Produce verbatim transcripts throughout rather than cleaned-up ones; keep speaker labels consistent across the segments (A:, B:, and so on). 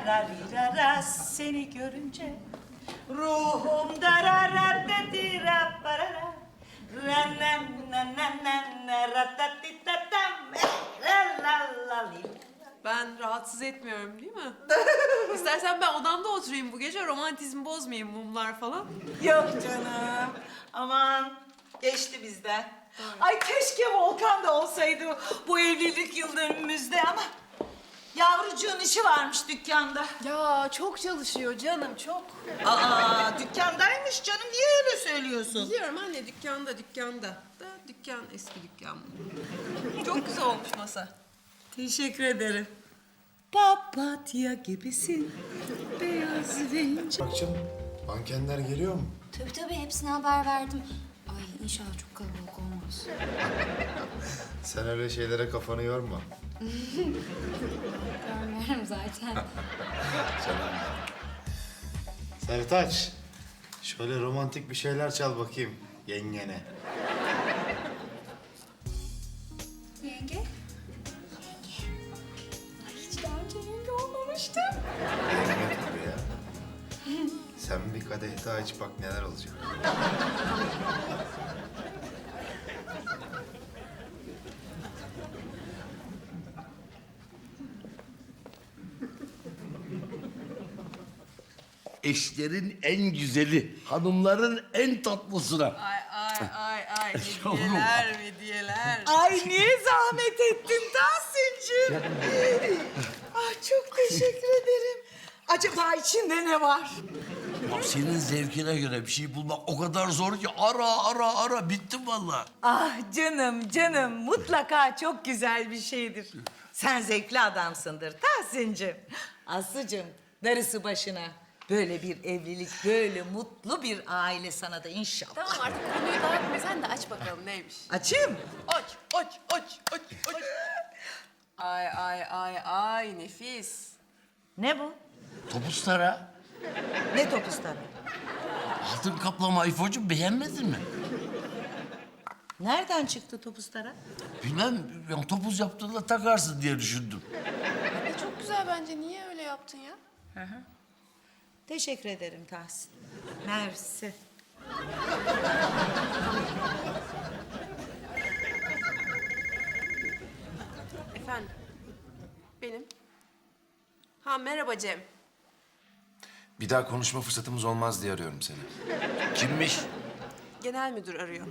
A: Tararirara seni görünce ruhum dararardatira parara rananananana ratatitatam ralalali.
B: Ben rahatsız etmiyorum değil mi? İstersen ben odamda oturayım bu gece, romantizmi bozmayayım, mumlar falan.
A: Yok canım. Aman geçti bizden. Ay keşke Volkan da olsaydı bu evlilik yıl dönümümüzde ama yavrucuğun işi varmış dükkanda.
B: Ya çok çalışıyor canım, çok.
A: Aa dükkandaymış canım, niye öyle söylüyorsun?
B: Biliyorum anne, dükkanda, dükkanda. Da dükkan, eski dükkan. Çok güzel olmuş masa.
A: Teşekkür ederim. Papatya gibisin, beyaz ve ince.
C: Bak canım, mankenler geliyor mu?
D: Tabii tabii hepsine haber verdim. Ay inşallah çok kalabalık olmaz.
C: Sen öyle şeylere kafanı yorma.
D: Görmüyorum zaten.
C: Canım. Sertaç, şöyle romantik bir şeyler çal bakayım yengene.
D: Yenge? Yenge. Ay hiç daha önce yenge olmamıştım.
C: Yenge tabii ya. Sen bir kadeh daha iç bak neler olacak.
E: Eşlerin en güzeli, hanımların en tatlısına.
B: Ay ay ay ay,
E: Yavrum.
B: hediyeler hediyeler.
A: Ay niye zahmet ettin Tahsin'cim? Ah çok teşekkür ederim. Acaba içinde ne var?
E: Ya senin zevkine göre bir şey bulmak o kadar zor ki ara ara ara bittim vallahi.
A: Ah canım canım mutlaka çok güzel bir şeydir. Sen zevkli adamsındır Tahsin'cim. Aslı'cım darısı başına. Böyle bir evlilik, böyle mutlu bir aile sana da inşallah.
B: Tamam artık konuyu dağıtma, sen de aç bakalım neymiş.
A: Açayım mı?
B: Aç, aç, aç, aç, aç. Ay ay ay ay, nefis.
A: Ne bu?
E: Topuzlara
A: Ne topuzları?
E: altın kaplama ifocu beğenmedin mi?
A: Nereden çıktı topuzlara?
E: Bilmem, yani topuz yaptığında takarsın diye düşündüm.
B: E, çok güzel bence, niye öyle yaptın ya?
A: Teşekkür ederim Tahsin. Mersi.
B: Efendim, benim. Ha merhaba Cem.
F: Bir daha konuşma fırsatımız olmaz diye arıyorum seni.
E: Kimmiş?
B: Genel müdür arıyor.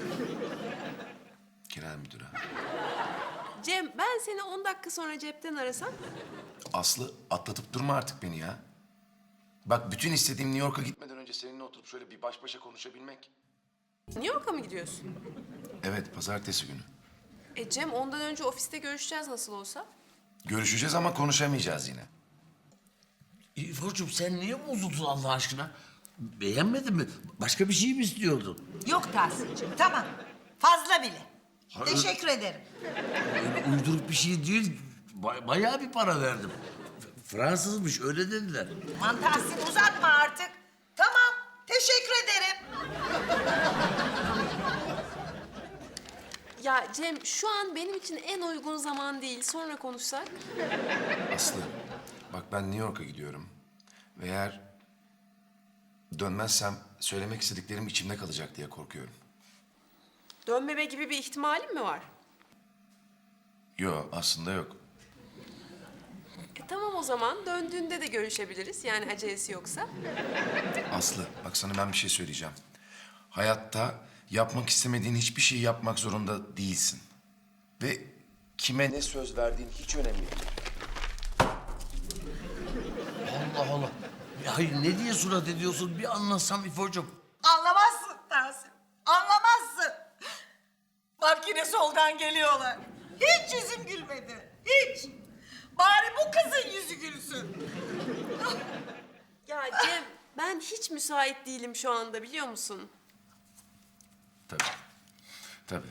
F: Genel müdüre.
B: Cem, ben seni on dakika sonra cepten arasam.
F: Aslı atlatıp durma artık beni ya. Bak bütün istediğim New York'a gitmeden önce seninle oturup şöyle bir baş başa konuşabilmek.
B: New York'a mı gidiyorsun?
F: Evet, pazartesi günü.
B: E Cem, ondan önce ofiste görüşeceğiz nasıl olsa.
F: Görüşeceğiz ama konuşamayacağız yine.
E: İfocuğum sen niye bozuldun Allah aşkına? Beğenmedin mi? Başka bir şey mi istiyordun?
A: Yok Tahsin'cim tamam. Fazla bile.
E: Hayır.
A: Teşekkür ederim.
E: Öyle uyduruk bir şey değil. Ba- bayağı bir para verdim. F- Fransızmış öyle dediler.
A: Aman Tahsin uzatma artık. Tamam. Teşekkür ederim.
B: Ya Cem, şu an benim için en uygun zaman değil. Sonra konuşsak.
F: Aslı, bak ben New York'a gidiyorum. Ve eğer dönmezsem söylemek istediklerim içimde kalacak diye korkuyorum.
B: Dönmeme gibi bir ihtimalim mi var?
F: Yok, aslında yok.
B: E tamam o zaman. Döndüğünde de görüşebiliriz. Yani acelesi yoksa.
F: Aslı, bak sana ben bir şey söyleyeceğim. Hayatta yapmak istemediğin hiçbir şeyi yapmak zorunda değilsin. Ve kime ne söz verdiğin hiç önemli değil.
E: Allah Allah. Ya hayır ne diye surat ediyorsun bir anlasam İfocuğum.
A: Anlamazsın Tahsin. Anlamazsın. Bak yine soldan geliyorlar. Hiç yüzüm gülmedi. Hiç. Bari bu kızın yüzü gülsün.
B: Ya Cem, ben hiç müsait değilim şu anda, biliyor musun?
F: Tabii. Tabii.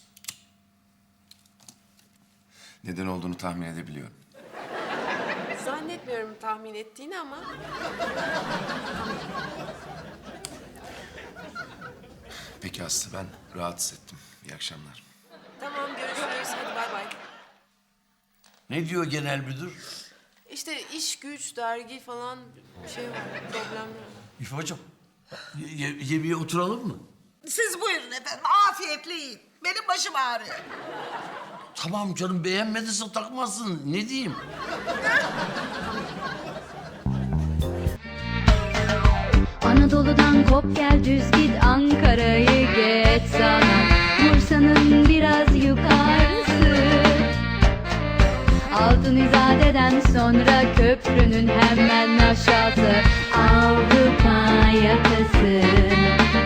F: Neden olduğunu tahmin edebiliyorum.
B: Zannetmiyorum tahmin ettiğini ama.
F: Peki Aslı, ben rahatsız ettim. İyi akşamlar.
B: Tamam, görüşürüz. Hadi bay bay.
E: Ne diyor genel müdür?
B: E işte iş güç, dergi falan bir şey var, problemler var.
E: İfo'cum ye- ye- yemeğe oturalım mı?
A: Siz buyurun efendim, afiyetle yiyin. Benim başım ağrıyor.
E: Tamam canım, beğenmediyse takmazsın. Ne diyeyim?
G: Anadolu'dan kop gel düz git Ankara'yı geç sana Bursa'nın biraz yukarısı Altın İzade'den sonra köprünün hemen aşağısı Avrupa yakası